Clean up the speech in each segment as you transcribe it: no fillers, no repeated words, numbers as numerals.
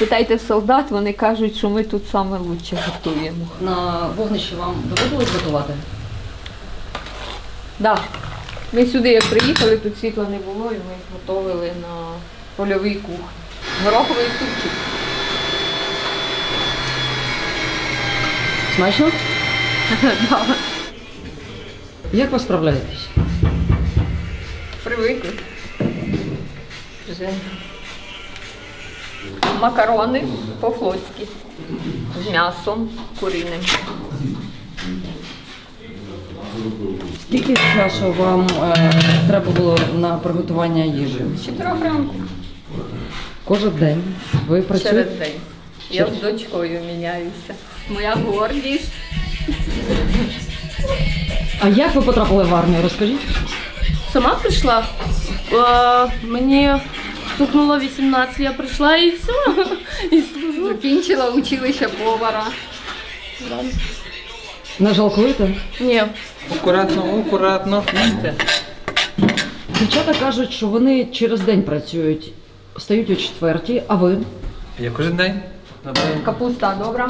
Питайте солдат, вони кажуть, що ми тут саме лучше готуємо. На вогнищі вам доводилось готувати? Да. Ми сюди як приїхали, тут світла не було, і ми готували на польовій кухні. Гороховий супчик. Смачно? Да. Як ви справляєтесь? Привикли. Вже. Макарони по-флотськи. З м'ясом куриним. Скільки часу вам треба було на приготування їжі? З 4 ранку. Кожен день ви працюєте? Через день. Я з дочкою міняюся. Моя гордість. А як ви потрапили в армію? Розкажіть. Сама прийшла. Мені стукнуло 18, я прийшла і все. І служу. Закінчила училище повара. Не жалкуєте? Ні. Акуратно, акуратно. Дівчата кажуть, що вони через день працюють. Встають о 4, а ви? Я кожен день. Капуста добра.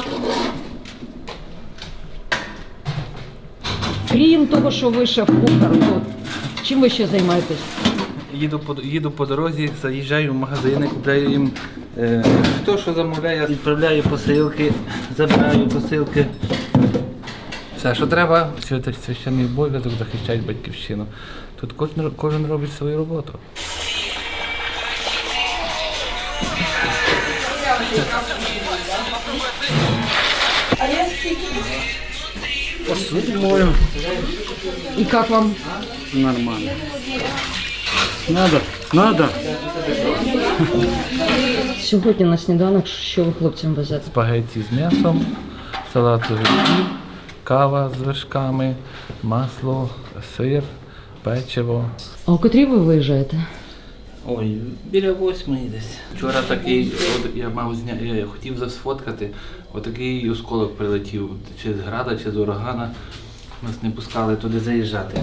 Крім того, що ви шеф-кухар, то чим ви ще займаєтесь? Їду по дорозі, заїжджаю в магазини, купляю їм хто що замовляє, відправляю посилки, забираю посилки. Все, що треба, священний обов'язок захищають батьківщину. Тут кожен робить свою роботу. Посуду мою. І як вам? Нормально. Надо. Сьогодні на сніданок що ви хлопцям везете? Спагетті з м'ясом, салат з огірків, кава з вершками, масло, сир, печиво. А у котрій ви виїжджаєте? Ой, біля 8 десь. Вчора такий, я хотів засфоткати, отакий осколок прилетів, чи з града, чи з урагана. Нас не пускали туди заїжджати.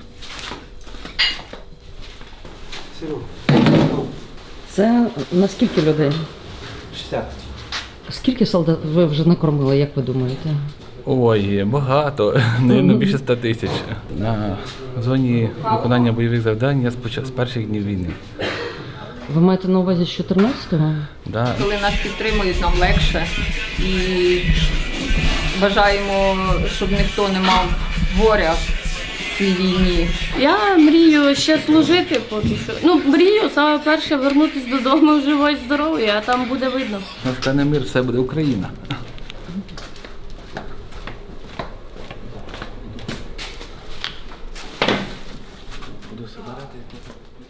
Це на скільки людей? 60. Скільки солдат ви вже накормили, як ви думаєте? Ой, багато, навіть більше 100 тисяч. На зоні виконання бойових завдань я з перших днів війни. Ви маєте на увазі з 14-го? Да. Коли нас підтримують, нам легше. І бажаємо, щоб ніхто не мав горя в цій війні. Я мрію ще служити поки що. Ну, мрію саме перше вернутися додому живо і здоровою, а там буде видно. Настане мир, все буде Україна. Буду собирати.